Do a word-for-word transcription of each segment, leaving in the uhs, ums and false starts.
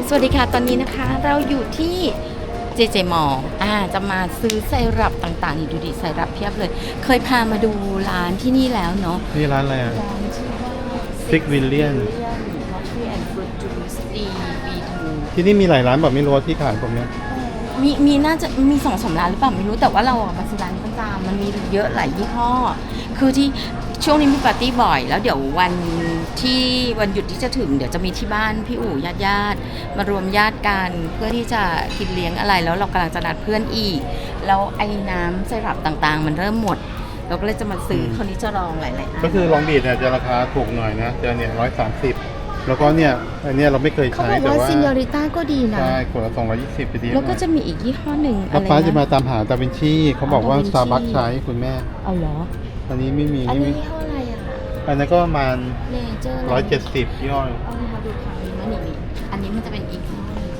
สวัสดีค่ะตอนนี้นะคะเราอยู่ที่เจเจมอลอ่าจะมาซื้อไซรัปต่างๆนี่ดูดิไซรัปเพียบเลยเคยพามาดูร้านที่นี่แล้วเนาะนี่ร้านอะไรอ่ะร้านชื่อว่า Six Billion Coffee and Fruit Juice D บี ทูที่นี่มีหลายร้านแบบไม่รู้ว่าที่ขายผมเนี้ยมีมีน่าจะมีสองสามร้านหรือเปล่าไม่รู้แต่ว่าเราอะมาซื้อร้านนี้ประจำมันมีเยอะหลายยี่ห้อคือที่ช่วงนี้มีปาร์ตี้บ่อย แล้วเดี๋ยววันที่วันหยุดที่จะถึงเดี๋ยวจะมีที่บ้านพี่อู๋ญาติญาติมารวมญาติกันเพื่อที่จะกินเลี้ยงอะไรแล้วเรากำลังจะนัดเพื่อนอีกแล้วไอ้น้ำไซรัปต่างๆ มันเริ่มหมดเราก็เลยจะมาซื้อคนนี้จะลองหลายๆอันก็คือลองบีดเนี่ยจะราคาถูกหน่อยนะจะเนี่ยร้อยสามสิบแล้วก็เนี่ยอันเนี้ยเราไม่เคยเขาใช้บอกแต่ว่าว่าซินยอริต้าก็ดีนะใช่ขวดละสองร้อยยี่สิบไปดีแล้วก็จะมีอีกยี่ห้อหนึ่งอะแล้วไรป้าจะมานะตามหาดาวินชีเขาบอกว่าดาวินชีซาบักใช้คุณแม่เอาเหรออันนี้ไม่มีอันไม่นี้มียี่ห้ออะไรอะอันนั้นก็ประมาณเนเจอร์ร้อยเจ็ดสิบย่อเอามาดูข่าวนี้มานี่นี่อันนี้มันจะเป็นอีกห้อหนึ่ง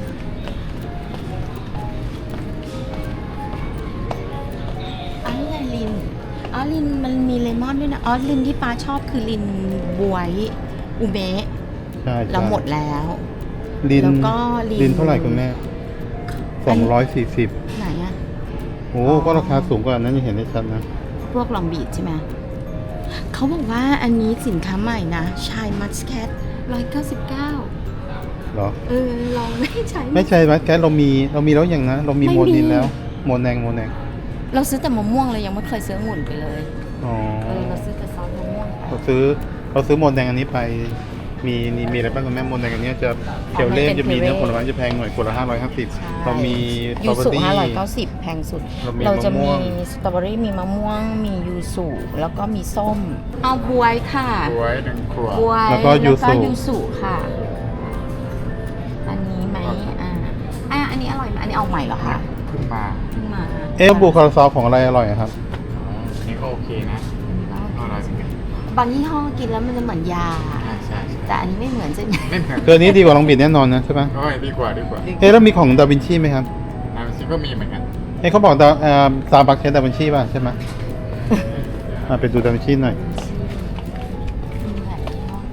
อันนี้อะไรลินอ๋อลินมันมีเลมอนด้วยนะอ๋อลินที่ป้าชอบคือลินบวยอุเมะใช่เราหมดแล้วลินแล้วก็ลินลินเท่าไหร่คุณแม่สองร้อยสี่สิบไหนอะโอ้ก็ราคาสูงกว่านั้นยังเห็นได้ชัดนะพวกลองบีดใช่ไหมเขาบอกว่าอันนี้สินค้าใหม่นะชายมัสแคทร้อยเก้าสิบเก้าเหรอเออลองไม่ใช้ไม่ใช่ไหมแก๊สเรามีเรามีแล้วอย่างนะเรามีไม่มีโมนินแล้วโมแนงโมแนงเราซื้อแต่มะม่วงเลยยังไม่เคยซื้อองุ่นไปเลยอ๋อเออเราซื้อแต่ซอสมะม่วงไปเราซื้อเราซื้อโมแดงอันนี้ไปมีมีมีอะไรบ้างคุณแม่โมแดงอันนี้จะเคียวเล่มจะมีเนื้อผลไม้จะแพงหน่อยคนละห้าร้อยห้าสิบเรามีสตรยูอเบอสุรี่ห้าร้อยเก้าสิบแพงสุดเรามีเราจะมะม่มีวงสตรอเบอรี่มีมะม่วงมียูสุแล้วก็มีส้ม เอาบวยค่ะบวยหนึ่งขวดบวยแล้วก็ยูสุยูสุค่ะ อันนี้ไหมอ่าอ่าอันนี้อร่อยไหมอันนี้เอาใหม่เหรอคะขึ้นมาเพิ่งมาเอ๊ะบูคาราซาวของอะไรอร่อยอะครับอ๋ออันนี้ก็โอเคนะอร่อยเหมือนกันบางยี่ห้อกินแล้วมันจะเหมือนยาใช่ใช่ใช่แต่อันนี้ไม่เหมือนใช่ไหมไม่เหมือนคืออันนี้ดีกว่าลองบิดแน่นอนนะใช่ไหมโอ้ยดีกว่าดีกว่าเอ๊ะแล้วมีของดาวินชีไหมครับน้ำซิก็มีเหมือนกันเอ๊ะเขาบอกดาเอ่อซาบักใช้ดาวินชีป่ะใช่ไหมมาไปดูดาวินชีหน่อยมีหลายยี่ห้อ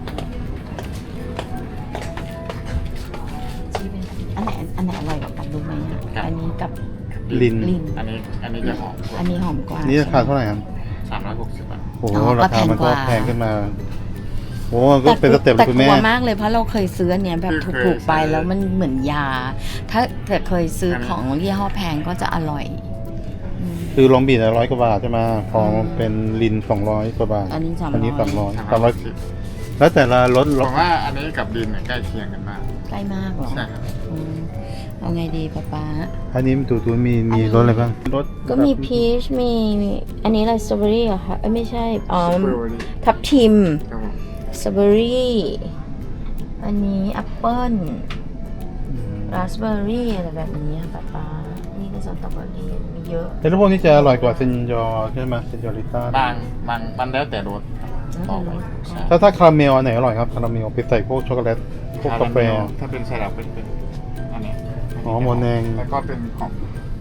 ชีเป็นอันไหนอันไหนอร่อยกว่ากันรู้ไหมอะอันนี้กับลินลินอันนี้อันนี้จะหอมกว่าอันนี้หอมกว่านี่ราคาเท่าไหร่ครับสามร้อยหกสิบบาทโอ้โหอ๋อราคามันก็ก็แพแพงงกว่าขึ้นมาโอ้ก็เป็นสเต็ปเลยคุณแต่แม่กลัวมากเลยเพราะเราเคยซื้ออันเนี้ยแบบถูกๆไปแล้วมันเหมือนยา ถ้าเกิดเคยซื้อของยี่ห้อแพงก็จะอร่อยอืมคือลองบีดร้อยกว่าบาทใช่ไหมของเป็นลินสองร้อยกว่าบาทอันนี้300 อันนี้สามร้อยสามสามร้ร้ออย ยสิบแล้วแต่ละรถผรถมว่าอันนี้กับดินเนี่ยใกล้เคียงกันมากใกล้มากเหรอใช่ครับอืมเอาไงดีป๊าป๊าอันนี้ตูตูมีมีรถอะไรบ้างรถก็มีพีชมีมีอันนี้อะไรสตรอเบอรี่เหรอคะเอ้ยไม่ใช่อ๋อสตรอเบอรี่ทับทิมครับผมสตรอเบอรี่อันนี้แอปเปิ้ลราสเบอร์รี่อะไรแบบนี้ค่ะป๊าป๊านี่ก็สตรอเบอรี่มีเยอะแต่รถพวกนี้จะอร่อยกว่าเซนยอใช่ไหมเซนยอริต้าบางบางมันแล้วแต่รสต่อไปใช่ถ้าถ้าคาราเมลอันไหนอร่อยครับคาราเมลไปใส่พวกช็อกโกแลตพวกกาแฟถ้าเป็นไซรัปเป็นเป็นอันนี้อ๋อโมแนงแล้วก็เป็นของ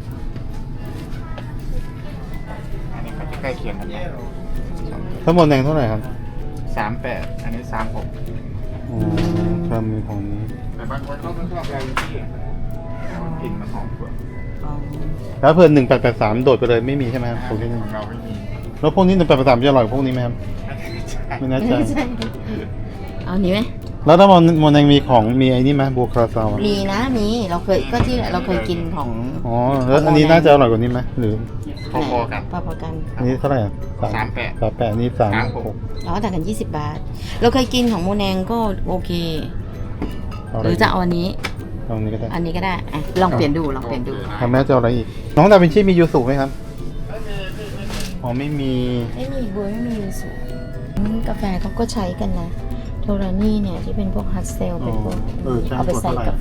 อันนี้ก็จะใกล้เคียงกันมากถ้าโมแนงเท่าไหร่ครับสามแปดอันนี้สามหกอ๋อคาราเมลของนี้แต่บางคนเขาไม่ชอบแบรนด์ที่กลิ่นมันหอมกว่าอ๋อแล้วเพิ่นหนึ่งแปดแปดสามโดดไปเลยไม่มีใช่ไหมครับขพวกนี้องเราไม่มีแล้วพวกนี้หนึ่งแปดแปดสามจะอร่อยกว่าพวกนี้ไหมครับไม่แน่ใจเอานี้ไหมแล้วถ้าโมโมแนงมีของมีไอ้นี่ไหมบูคาราซาวมีนะมีเราเคยก็ที่เราเคยกินของอ๋อแล้วอันนี้น่าจะอร่อยกว่านี้ไหมหรือพอๆกันพอๆกันอันนี้เท่าไหร่อ่ะสามแปดสามแปดนี่สามสามหหกกเราก็ต่างกันยี่สิบบาท เราเคยกินของโมแนงก็โอเคเาหรือจะเอาอันนี้เอาอันนี้ก็ได้อันนี้ก็ได้อ่ะลองเปลี่ยนดูลองเปลี่ยนดูทำแม่จะเอาอะไรอีก น้องดาวินชีมียูสุไหมครับอ๋อไม่มีไม่มีบวยไม่มียูสุอืมกาแฟเขาก็ใช้กันนะโทรานี่เนี่ยที่เป็นพวกฮัตเซลเป็นพวกเออใช่เอาไปใส่ขวดเท่าไหร่กาแฟ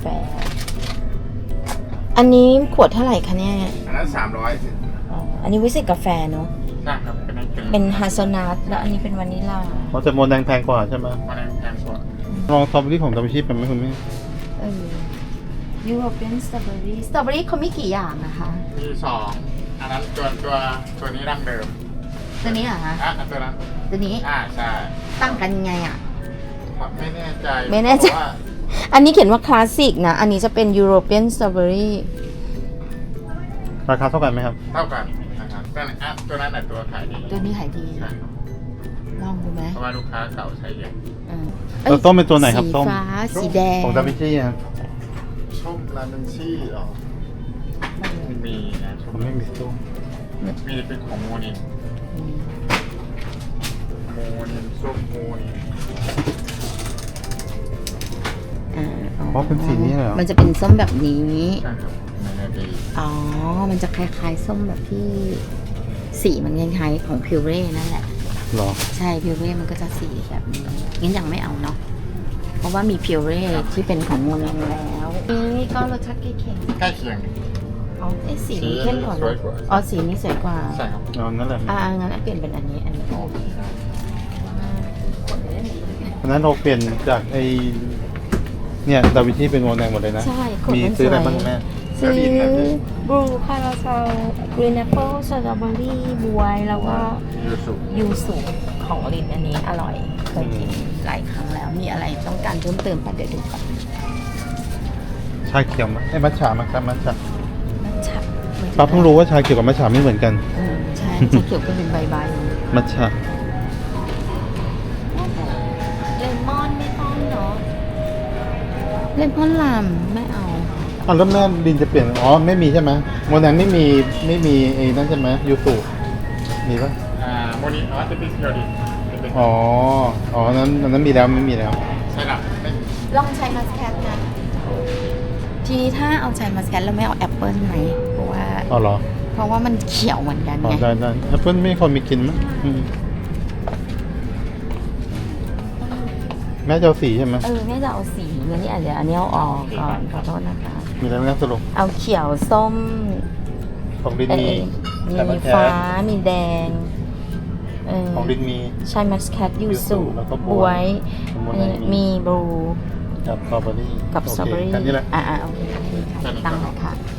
อันนี้ขวดเท่าไหร่คะเนี่ยอันนั้นสามร้อยสิอ๋ออันนี้ไว้ใส่กาแฟเนาะใช่ครับเป็นเป็นเป็นฮาซนัทแล้วอันนี้เป็นวานิลลาเพราะจะโมแดงแพงกว่าใช่ไหมมันแพงกว่าลองสตรอเบอรี่ของดาวินชีเป็นไหมคุณแม่เออยูโรเปียนสตรอเบอรี่สตรอเบอรี่เขามีกี่อย่างนะคะมีสองอันนั้นตัวตัวตัวนี้ดั้งเดิมตัวนี้เหรอคะอ่ะอันตัวนั้นตัวนี้อ่าใช่ตั้งกันยังไงอ่ะไม่แน่ใจไม่แน่ใจเพราะว่าอันนี้เขียนว่าคลาสสิกนะ อันนี้จะเป็นยูโรเปียนสตรอเบอรี่ราคาเท่ากันไหมครับเท่ากันนะครับตัวนั้นอ่ะตัวนั้นแหละตัวขายดีตัวนี้ขายดีใช่ครับลองดูไหมเพราะว่าลูกค้าเก่าใช้เยอะเออแล้วส้มเป็นตัวไหนครับสีส้มฟ้า สีแดงของดาวินชีครับส้มลาเมนชี่หรอมีนะส้ผม มไม่มีส้มมีเป็นของโมนินอืมโมนินส้มโมนินอ่าเพราะเป็นสีนี้เหรอมันจะเป็นส้มแบบนี้ใช่ครับในนาดีอ๋อ มันจะคล้ายๆส้มแบบที่สีมันคล้ายๆของพิวเร่นั่นแหละหรอใช่พิวเร่มันก็จะสีแบบนี้งั้นยังไม่เอาเนาะ เพราะว่ามีพิวเร่ที่เป็นของโมนังแล้วนี่ก็รสชาติใกล้เคียงใกล้เคียงอ๋อไอ้สีนี้เข้มกว่าสวยกว่าอ๋อ สีนี้สวยกว่าใช่ครับเอานั่นแหละอ่างั้นเปลี่ยนเป็นอันนี้ อันนี้โอเคครับขนได้ดีเพราะฉะนั้นเราเปลี่ยนจากไอเนี่ยดาวินชีเป็นโมแดงหมดเลยนะใช่ขนมีมันสซื้อวอะไรยบ้างแม่ซื้อบลูคาราเซลกรีนแอปเปิลสตรอเบอรี่บวยแล้วก็ยูสุยูสุของลินอันนี้อร่อย เคยกินหลายครั้งแล้ว มีอะไรต้องการเพิ่มเติมปะเดี๋ยวดูก่อนชาเขียวมั้ยไอ้มัทฉะมั้งครับมัทฉะมันฉับป้าเพิ่งรู้ว่าชาเขียวกับมัทฉะไม่เหมือนกันอืมใช่จะเขียวก็เป็นใบๆมัทฉะเลมอนไม่ต้องเนาะเลมอนลามไม่เอาอ่ะแล้วแม่ดินจะเปลี่ยนอ๋อไม่มีใช่ไหมโมแดงไม่มีไม่มีไอ้นั่นใช่ไหมยูสุมีปะอ่าโมนินอ๋อจะเป็นเคียวดิจะเป็นอ๋ออ๋ออันนั้นอันนั้นมีแล้วไม่มีแล้วใช่หรอไม่ลองใช้มัสแคทนะ ทีนี้ถ้าเอาใช้มัสแคทแล้วไม่เอาแอปเปิลไหมเพราะว่าอ๋อเหรอเพราะว่ามันเขียวเหมือนกันอ๋อไงได้ได้แอปเปิ้ลไม่คนมีกินมั้ยอืมแม่จะเอาสีใช่ไหมเออแม่จะเอาสีงั้นนี่อาจจะอันนี้เอาออกก่อนขอโทษนะคะมีอะไรไหมครับสรุปเอาเขียวส้มของดินเอมีอแต่มัมีนแท้ฟ้ามีแดงเออของดินมีใช้มัสแคทยูยูสุสุแล้วก็บบ ววย ยอันนี้มีบลูกับสตรอเบอรี่กับสตรอเบอรี่โคแค่นี้แหละอ่าอ่าโอเคค่ะตั้งเลยค่ะ